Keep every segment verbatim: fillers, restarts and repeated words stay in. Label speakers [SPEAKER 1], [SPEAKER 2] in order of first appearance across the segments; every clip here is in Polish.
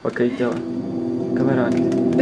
[SPEAKER 1] Okej, okay, działa. Kamera akcji.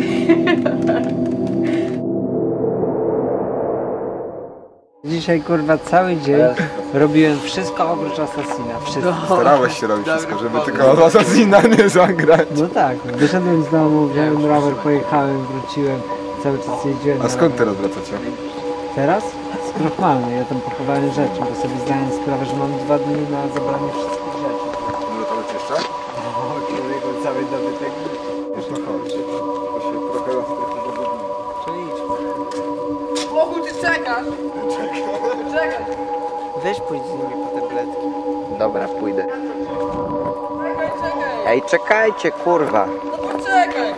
[SPEAKER 2] Dzisiaj kurwa cały dzień robiłem wszystko oprócz Assassina. Wszystko.
[SPEAKER 3] Starałeś się robić wszystko, żeby tylko Assassina nie zagrać.
[SPEAKER 2] No tak, wyszedłem z domu, wziąłem rower, pojechałem, wróciłem, cały czas jeździłem.
[SPEAKER 3] A skąd teraz wracacie?
[SPEAKER 2] Teraz? Z Krochmalnej, ja tam pochowałem rzeczy, bo sobie zdałem sprawę, że mam dwa dni na zabranie wszystkich rzeczy.
[SPEAKER 3] Może to być jeszcze?
[SPEAKER 2] O, człowieku, cały dobytek.
[SPEAKER 3] Już no chodź. To się trochę rozprychło.
[SPEAKER 2] Czyli idź.
[SPEAKER 4] Bogu, ty czekasz! Czekaj!
[SPEAKER 5] Weź pójdź z nimi po tabletki. Dobra, pójdę.
[SPEAKER 4] Czekaj, czekaj!
[SPEAKER 5] Ej, czekajcie, kurwa.
[SPEAKER 4] No poczekaj!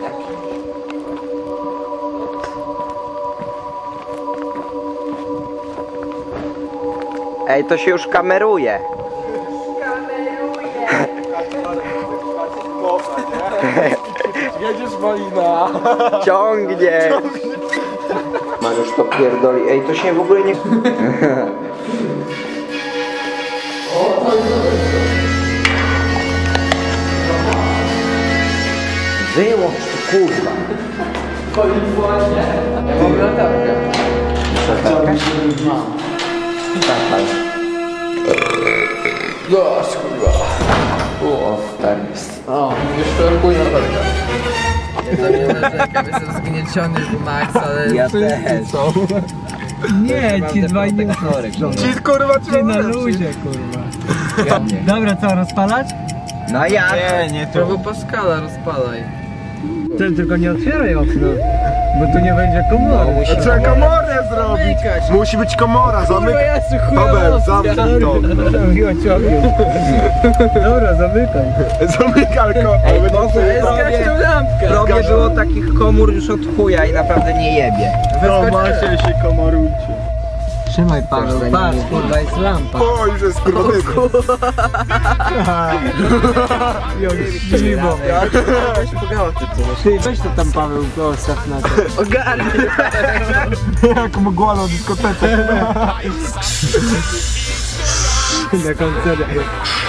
[SPEAKER 5] Ej, to się już kameruje.
[SPEAKER 3] Jedziesz Malina!
[SPEAKER 5] Ciągnie. Mariusz to pierdoli. Ej, to się w ogóle nie... Wyłącz to, kurwa.
[SPEAKER 4] Ja mam latarkę.
[SPEAKER 5] Zapal.
[SPEAKER 4] Gość, kurwa.
[SPEAKER 5] O, stary.
[SPEAKER 4] O, już szorkuję latarkę. Ja tam nie narzekam, jestem zgnieciony w max, ale...
[SPEAKER 5] Ja też.
[SPEAKER 2] Nie, ci dwaj nie
[SPEAKER 3] Ci kurwa
[SPEAKER 2] Ty na luzie, kurwa. Dobra, co, rozpalać?
[SPEAKER 5] No ja.
[SPEAKER 3] Nie, nie
[SPEAKER 4] Prawo Pascala rozpalaj.
[SPEAKER 2] Ten tylko nie otwieraj okna, bo tu nie będzie komory.
[SPEAKER 3] A trzeba komorę zrobić! Musi być komora, zamykaj! Paweł, zamknij to!
[SPEAKER 2] Miło ci okno. Dobra, zamykaj.
[SPEAKER 3] Zamykaj ko!
[SPEAKER 5] Ej, Bogu,
[SPEAKER 4] Zgaś tą lampkę!
[SPEAKER 5] Prawie było takich komór już od chuja i naprawdę nie jebie.
[SPEAKER 3] No macie się komorujcie.
[SPEAKER 2] Trzymaj Paweł, patrz, kurwa, jest lampa.
[SPEAKER 3] O, już jest kurwa dymu.
[SPEAKER 2] Jak śliwo.
[SPEAKER 4] Weź pogała ty co.
[SPEAKER 2] Ty, weź to tam Paweł, postaw na to.
[SPEAKER 4] Ogarnij!
[SPEAKER 3] Jak mgła na dyskotece.
[SPEAKER 2] Na koncercie.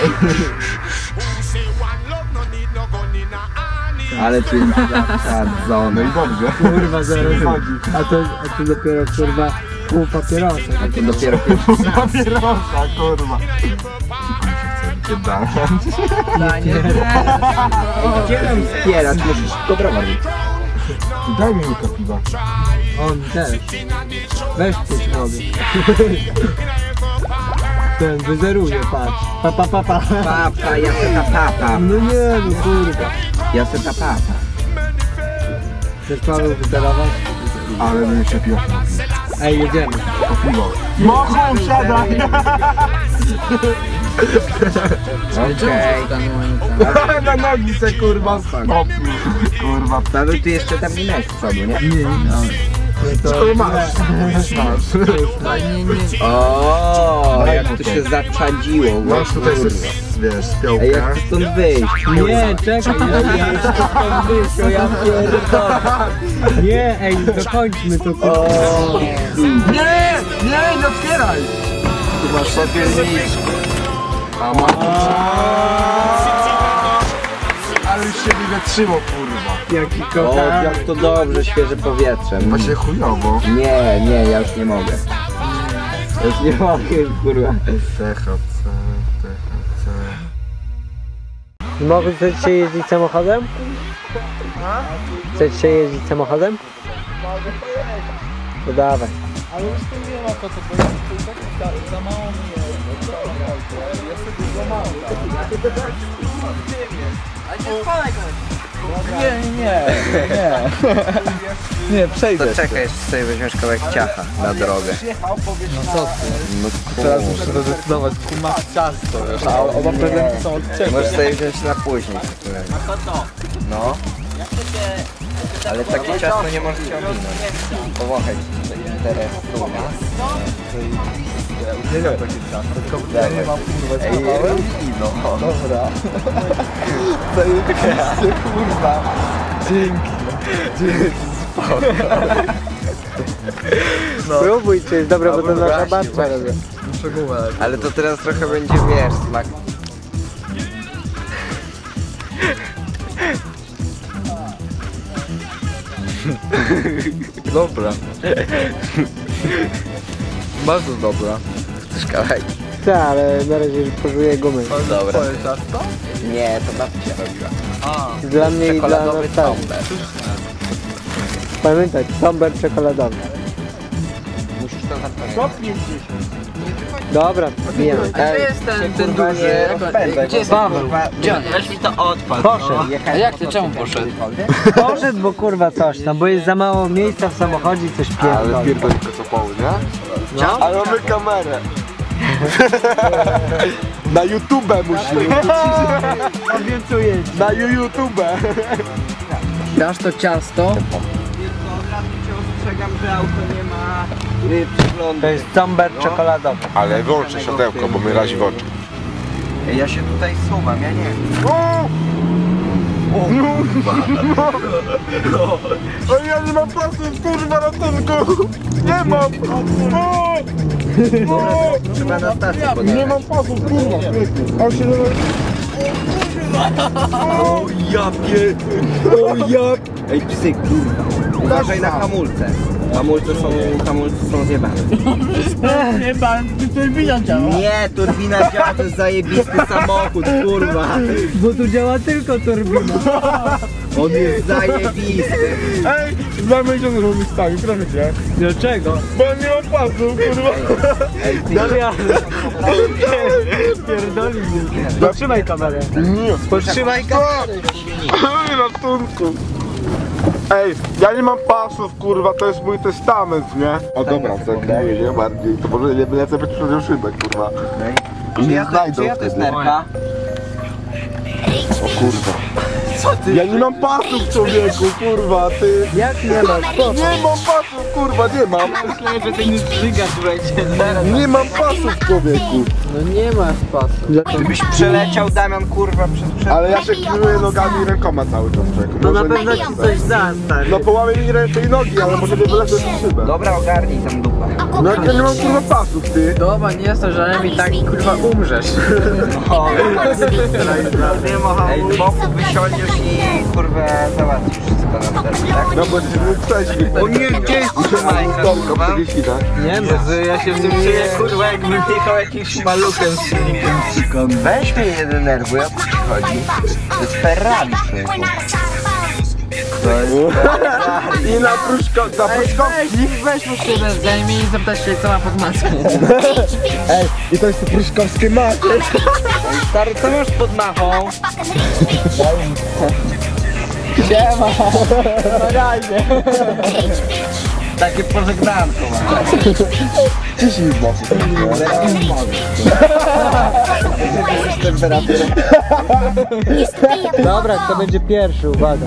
[SPEAKER 5] Ale tu jest zasadzone.
[SPEAKER 3] No i dobrze.
[SPEAKER 2] Kurwa, zaraz. A to, a to dopiero, kurwa, pół papierosa.
[SPEAKER 5] A to dopiero pierwszy.
[SPEAKER 3] Papierosa, kurwa.
[SPEAKER 4] Danie.
[SPEAKER 5] Gdzie nam wspierać? Musisz dobra robić.
[SPEAKER 3] Daj mi łyka piwa.
[SPEAKER 2] On też. Weź pić wody. Ten wyzeruje, patrz. Pa, pa, pa, pa.
[SPEAKER 5] Papa, ja se ta papa.
[SPEAKER 2] No nie, no kurwa.
[SPEAKER 5] Ja se ta papa.
[SPEAKER 2] Chcesz Paweł wyzerować?
[SPEAKER 3] Ale bym się pił.
[SPEAKER 2] Ej, jedziemy.
[SPEAKER 3] Po piwo. Mogą wsiadać!
[SPEAKER 5] Okej.
[SPEAKER 3] Na nogi se kurwa stopnił. Kurwa.
[SPEAKER 5] Paweł, ty jeszcze tam nie miałeś z przodu, nie?
[SPEAKER 2] Nie, no.
[SPEAKER 3] Co masz? Masz.
[SPEAKER 4] Nie, nie.
[SPEAKER 5] O, jak to się zaczadziło.
[SPEAKER 3] Masz tutaj sobie, wiesz,
[SPEAKER 5] Ej,
[SPEAKER 3] spiołkę.
[SPEAKER 5] jak chcę stąd wyjść?
[SPEAKER 2] Nie, czekaj, ja jeszcze tam wyjść, o ja pierdolę. Nie, ej, dokończmy to, kurwa.
[SPEAKER 5] O,
[SPEAKER 3] Nie! Nie, nie otwieraj! Tu masz popielniczkę. A ma... Ale już się nie wytrzymał, kurwa.
[SPEAKER 2] Jaki
[SPEAKER 5] o,
[SPEAKER 2] kochany.
[SPEAKER 5] jak to dobrze, świeże powietrze.
[SPEAKER 3] Właśnie chujowo.
[SPEAKER 5] Nie, nie, ja już nie mogę. Ja już nie mogę, kurwa.
[SPEAKER 3] T H C, T H C.
[SPEAKER 2] Mogę chcecie jeździć samochodem? Chcecie jeździć samochodem? To dawaj.
[SPEAKER 4] Ale już tu nie ma po co, bo ja tu i tak za, za mało mi jest. Ja sobie za mało. Ale nie spalaj go! Nie, nie, nie. Nie, przejdę.
[SPEAKER 5] To czekaj, jeszcze sobie weźmiesz kawałek ciacha na drogę.
[SPEAKER 4] No co ty?
[SPEAKER 5] No
[SPEAKER 4] Teraz muszę to zdecydować, kuma ciasto, wiesz, a oba prezenty są od ciebie.
[SPEAKER 5] możesz sobie wziąć na później. No. Ale takie ciasto nie możesz się ominąć. Powąchaj teraz tu.
[SPEAKER 3] Nie wiem takie ciasto, tylko
[SPEAKER 5] Dawaj.
[SPEAKER 3] nie mam kurwa
[SPEAKER 5] Ej,
[SPEAKER 3] złapałem.
[SPEAKER 5] no.
[SPEAKER 3] Dobra. Zajebiście, kurwa. Dzięki. Dzięki.
[SPEAKER 2] No. Próbuj, czy jest dobre, bo to nasza
[SPEAKER 3] właśnie,
[SPEAKER 2] babcia robi.
[SPEAKER 3] Muszę gumę.
[SPEAKER 5] Ale to teraz trochę będzie, wiesz, smak.
[SPEAKER 3] Dobra. Bardzo dobra.
[SPEAKER 5] Chcesz kawałek?
[SPEAKER 2] Tak, ale na razie już pożuję gumy.
[SPEAKER 5] Dobra.
[SPEAKER 3] Twoje ciasto?
[SPEAKER 5] Nie, to babcia robiła.
[SPEAKER 2] Dla mnie i dla
[SPEAKER 5] Czekoladowy
[SPEAKER 2] nas tak.
[SPEAKER 5] tomber.
[SPEAKER 2] Pamiętać, tomber czekoladowy.
[SPEAKER 5] Musisz to zapamiętać.
[SPEAKER 2] Dobra, bijemy.
[SPEAKER 4] Gdzie jest ten, ten
[SPEAKER 5] Kurwa,
[SPEAKER 4] duży?
[SPEAKER 5] nie
[SPEAKER 4] Jak-
[SPEAKER 5] rozpędzaj,
[SPEAKER 4] Gdzie jest
[SPEAKER 5] bo-
[SPEAKER 2] Paweł?
[SPEAKER 5] kurwa,
[SPEAKER 4] Gdzie on? Weź mi to odpad.
[SPEAKER 2] Poszedł.
[SPEAKER 4] A jak ty, czemu poszedł?
[SPEAKER 2] Poszedł, bo kurwa coś tam, bo jest za mało miejsca w samochodzie i coś
[SPEAKER 3] Ale
[SPEAKER 2] pierdoli.
[SPEAKER 3] pierdolika co poły, nie?
[SPEAKER 2] No.
[SPEAKER 3] Ale mamy kamerę. Na YouTube musimy.
[SPEAKER 2] Obiecuję.
[SPEAKER 3] Na YouTube.
[SPEAKER 4] Dasz to ciasto?
[SPEAKER 5] Ostrzegam, że auto nie ma przeglądu.
[SPEAKER 2] To jest tomber czekoladowy.
[SPEAKER 3] Ale wyłączę siodełko, bo mnie razi w oczy.
[SPEAKER 5] Ja się tutaj suwam, ja nie wiem.
[SPEAKER 3] O, ja nie mam pasów, kurwa, na tylko. Nie mam.
[SPEAKER 5] Trzeba na stację
[SPEAKER 3] Nie
[SPEAKER 5] podjechać.
[SPEAKER 3] mam pasów, kurwa. A się
[SPEAKER 5] O ja pie... O ja... Ej psy, kurwa. Uważaj na hamulce. Hamulce są, hamulce są zjebane.
[SPEAKER 6] Nie pan, turbina działa.
[SPEAKER 5] Nie, turbina działa, to jest zajebisty samochód, kurwa.
[SPEAKER 2] Bo tu działa tylko turbina.
[SPEAKER 5] On jest zajebisty.
[SPEAKER 3] Ej, dwa miesiące robię stami, proszę cię.
[SPEAKER 2] Dlaczego?
[SPEAKER 3] Bo ja nie mam pasów, kurwa.
[SPEAKER 5] Ej, ty,
[SPEAKER 2] Pierdoli mnie. Potrzymaj kamerę.
[SPEAKER 3] Nie.
[SPEAKER 2] Potrzymaj kamerę.
[SPEAKER 3] Ej, ratunku. Ej, ja nie mam pasów, kurwa, to jest mój testament, nie? O dobra, zakryję, nie bardziej. To może nie lecę być przed szybek, kurwa. I nie
[SPEAKER 5] czyja to,
[SPEAKER 3] znajdą
[SPEAKER 5] czyja to jest
[SPEAKER 3] wtedy.
[SPEAKER 5] nerka?
[SPEAKER 3] O kurwa. Ja nie mam pasów, człowieku, kurwa, ty.
[SPEAKER 2] Jak nie masz? Po co?
[SPEAKER 3] Nie mam pasów, kurwa, nie mam.
[SPEAKER 4] Myślałem, że ten żygacz będzie.
[SPEAKER 3] Nie mam pasów, człowieku.
[SPEAKER 2] No nie masz pasu.
[SPEAKER 5] Żebyś przeleciał, Damian, kurwa, przez przed...
[SPEAKER 3] Ale ja się kieruję nogami i rękoma cały czas, człowieku.
[SPEAKER 2] No na
[SPEAKER 3] Może-
[SPEAKER 2] pewno ci coś da, stary.
[SPEAKER 3] No połamie mi ręce i nogi, ale może nie wylecę z szybę.
[SPEAKER 5] Dobra, ogarnij tam dupę.
[SPEAKER 3] No jak ja nie mam kurwa pasów, ty.
[SPEAKER 4] Dobra, nie jest to, że mi tak kurwa umrzesz.
[SPEAKER 5] Ej, z boku wysiądziesz i kurwa załatwisz wszystko na wtedy, tak?
[SPEAKER 3] No bo się mógł przejść.
[SPEAKER 5] O nie, gdzie jest Majka, kurwa?
[SPEAKER 2] Nie ma.
[SPEAKER 4] Jezu, ja się w tym czuję kurwa jakbym jechał jakimś maluchem z silnikiem.
[SPEAKER 5] Weź mnie nie denerwuj, o co ci chodzi? To jest Ferrari, człowieku. To jest Ferrari.
[SPEAKER 3] I na pruszko, na pruszkowski.
[SPEAKER 4] Niech weź mu się zajmie i zapytać się co ma pod maską.
[SPEAKER 3] Ej, i to jest to pruszkowskie macie.
[SPEAKER 5] Stary, co masz pod machą? Takie pożegnanko mam.
[SPEAKER 3] Ciśnij w boku.
[SPEAKER 2] Dobra, kto będzie pierwszy, uwaga.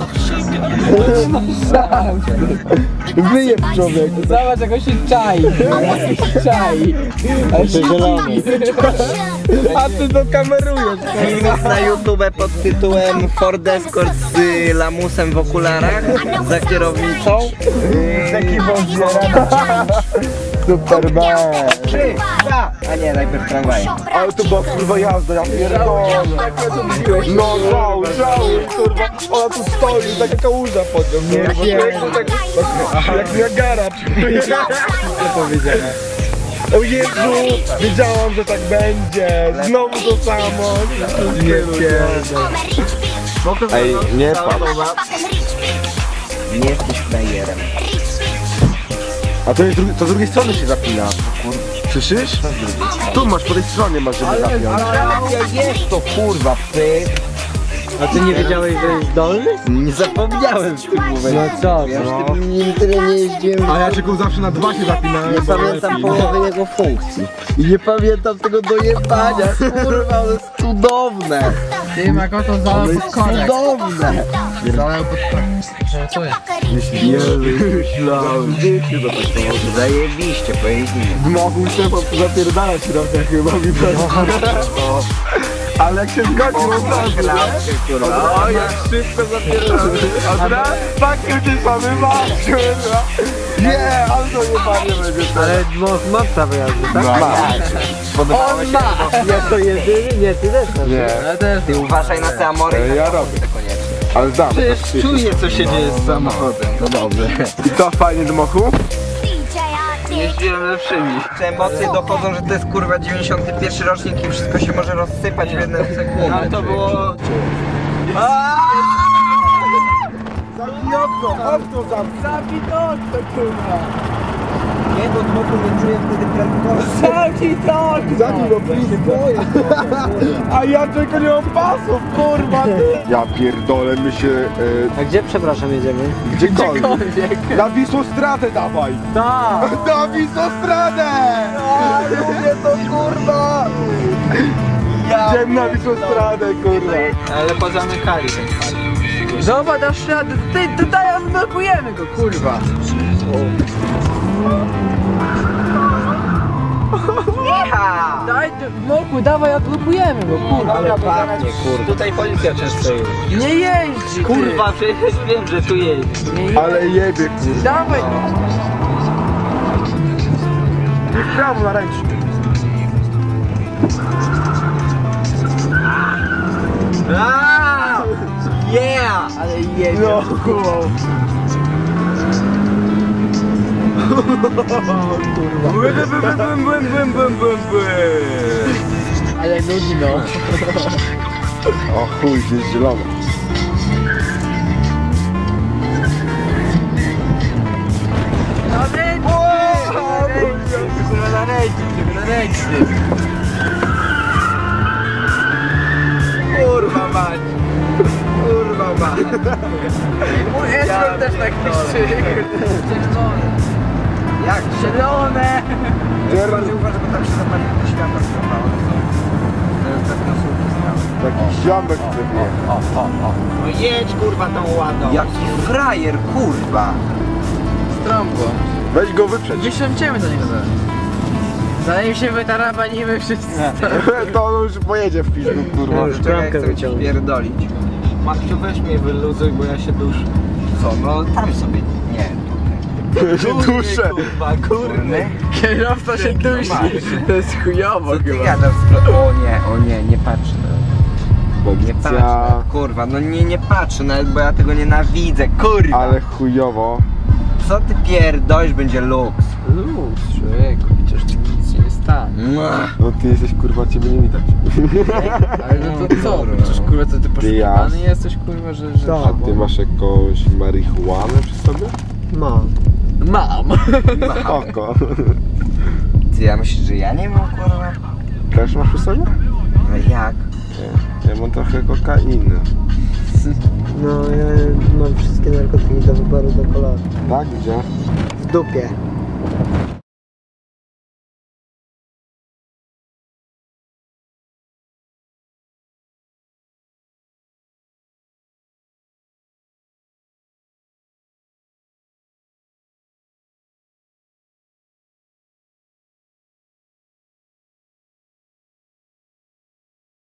[SPEAKER 3] Wyjeb, człowieku.
[SPEAKER 4] Zobacz jak on się czai. czai.
[SPEAKER 2] Jeszcze zielony.
[SPEAKER 3] A ty to kamerujesz.
[SPEAKER 5] Filmik na YouTube pod tytułem Ford Escort z y, lamusem w okularach za kierownicą. Taki
[SPEAKER 3] Superman.
[SPEAKER 5] Trzy, dwa, a nie, najpierw tramwaj.
[SPEAKER 3] Ale to była kurwa jazda, ja pierdolę. No żał, żał, kurwa. Ona tu stoi, taka kałuża pod nią. Nie wiem. Tak, jak Niagara. Co powiedziałem? O Jezu, wiedziałam, że tak będzie. Znowu to samo. Nie pierdolę. Ej, nie patrz.
[SPEAKER 5] Nie jesteś frajerem.
[SPEAKER 3] A to, jest drugi, to z drugiej strony się zapina. Słyszysz? Tu masz, po tej stronie masz, żeby zapiąć.
[SPEAKER 5] Ja jest to kurwa, pyk.
[SPEAKER 2] A ty nie wiedziałeś, że jest dolny?
[SPEAKER 5] Nie zapomniałem w tym momencie.
[SPEAKER 2] No co?
[SPEAKER 5] Ja już
[SPEAKER 2] No.
[SPEAKER 5] tym nim tyle nie jeździłem.
[SPEAKER 3] A ja tylko zawsze na dwa się zapinałem.
[SPEAKER 5] Nie pamiętam połowy jego funkcji. I nie pamiętam tego dojebania. Kurwa, to jest cudowne.
[SPEAKER 4] Ty ma to zalał
[SPEAKER 5] To
[SPEAKER 4] pod
[SPEAKER 5] jest
[SPEAKER 4] korek.
[SPEAKER 5] cudowne.
[SPEAKER 4] Zalał pod korek. Co jest?
[SPEAKER 3] Myślałem.
[SPEAKER 5] Zajebiście, pojeździmy.
[SPEAKER 3] Mogł się zapierdalać trochę chyba mi no. Ale jak się zgodził od razu,
[SPEAKER 5] Kurwa.
[SPEAKER 3] o jak szybko zapierdalamy. Od razu pakiet ty mamy masz, kurwa. Nie, ale to nie panie będzie to.
[SPEAKER 2] Ale ma- ma prawo jazdy, tak?
[SPEAKER 3] No,
[SPEAKER 5] Podobało się?
[SPEAKER 2] Jest to jedyny? Nie, ty też masz.
[SPEAKER 3] nie.
[SPEAKER 4] Ja też.
[SPEAKER 5] Ty uważaj na te amory.
[SPEAKER 3] Ja robię.
[SPEAKER 5] Koniecznie.
[SPEAKER 3] Ale znam.
[SPEAKER 5] Przecież czuję, co się dzieje z samochodem.
[SPEAKER 3] No dobrze. I co, fajnie dmochu?
[SPEAKER 5] Jeździłem lepszymi. Te emocje dochodzą, że to jest kurwa dziewięćdziesiąty pierwszy rocznik i wszystko się może rozsypać w jedną sekundę.
[SPEAKER 6] Ale to było...
[SPEAKER 3] Zamknij okno, okno zamknij.
[SPEAKER 6] Zabij to okno, kurwa!
[SPEAKER 5] Nie, bo dmoku nie czuję wtedy prędkości.
[SPEAKER 6] Zabij to okno!
[SPEAKER 3] Zamknij go, please. A ja tylko nie mam pasów, kurwa ty. Ja pierdolę, my się... E,
[SPEAKER 2] A gdzie, przepraszam, jedziemy?
[SPEAKER 3] gdziekolwiek. Na Wisłostradę dawaj.
[SPEAKER 2] Tak!
[SPEAKER 3] Na Wisłostradę! A, lubię to, kurwa. Idziemy na Wisłostradę, kurwa.
[SPEAKER 5] Ale pozamykali ten park.
[SPEAKER 6] Zobacz, dasz radę! Ty, tutaj odblokujemy go, kurwa! Daj, Moku, dawaj, odblokujemy go, kurwa!
[SPEAKER 5] Ale pachnie, kurwa. Tutaj policja często jeździ.
[SPEAKER 6] Nie jeździ, ty.
[SPEAKER 5] Kurwa, przecież wiem, że tu jeździ.
[SPEAKER 6] Nie jeździ.
[SPEAKER 3] Ale jebie, kurwa.
[SPEAKER 6] Dawaj!
[SPEAKER 3] I w prawo na ręcznik.
[SPEAKER 5] Aaaa! Yeah!
[SPEAKER 6] Ale jedzie.
[SPEAKER 3] No, kurwa. Kurwa. Bum, bum, bum, bum, bum, bum.
[SPEAKER 6] Ale nudzi, no.
[SPEAKER 3] O chuj, jest zielony.
[SPEAKER 6] Na ręczny! Na ręczny, na ręczny.
[SPEAKER 5] Kurwa mać! Kurwa mać!
[SPEAKER 6] Mój escort też tak pisze. Czerwone.
[SPEAKER 5] Jak?
[SPEAKER 6] Zielone!
[SPEAKER 5] Bardziej uważaj, bo tam się zapali światła schowało. To jest tak na słupki stały.
[SPEAKER 3] Taki ziomek sobie.
[SPEAKER 5] O, o, o. No jedź kurwa tą ładą. Jaki frajer, kurwa!
[SPEAKER 6] Strąbło.
[SPEAKER 3] Weź go wyprzeć.
[SPEAKER 6] Wysiądziemy do niego zaraz. Zanim się wytarabanimy wszyscy.
[SPEAKER 3] To on już pojedzie w pizdu, kurwa.
[SPEAKER 5] No, czekaj, chcę cię pierdolić. Maksiu, weź mnie wyluzuj, bo ja się duszę. Co? No tam sobie. Nie, tutaj.
[SPEAKER 3] się duszę.
[SPEAKER 5] Kurwa, górny.
[SPEAKER 6] Kierowca się dusi. To jest chujowo
[SPEAKER 5] Co ty
[SPEAKER 6] chyba.
[SPEAKER 5] gadasz? O nie, o nie, nie patrz. Nie patrz,
[SPEAKER 3] Policja.
[SPEAKER 5] kurwa, no nie, nie patrzę nawet, bo ja tego nienawidzę, kurwa.
[SPEAKER 3] Ale chujowo.
[SPEAKER 5] Co ty pierdolisz, będzie luks.
[SPEAKER 6] Luz, człowieku, przecież tu nic się nie stanie.
[SPEAKER 3] No ty jesteś, kurwa, ciebie nie widać.
[SPEAKER 6] Ale no to co? Przecież kurwa, to ty poszukiwany jesteś, kurwa, że... że
[SPEAKER 3] A ty masz jakąś marihuanę przy sobie?
[SPEAKER 2] Mam.
[SPEAKER 6] Mam.
[SPEAKER 3] Oko.
[SPEAKER 5] Ty, ja myślisz, że ja nie mam, kurwa?
[SPEAKER 3] Też masz przy sobie?
[SPEAKER 5] No jak?
[SPEAKER 3] Ja mam trochę kokainy.
[SPEAKER 2] No, ja mam wszystkie narkotyki do wyboru do koloru.
[SPEAKER 3] Tak? Gdzie?
[SPEAKER 2] W dupie.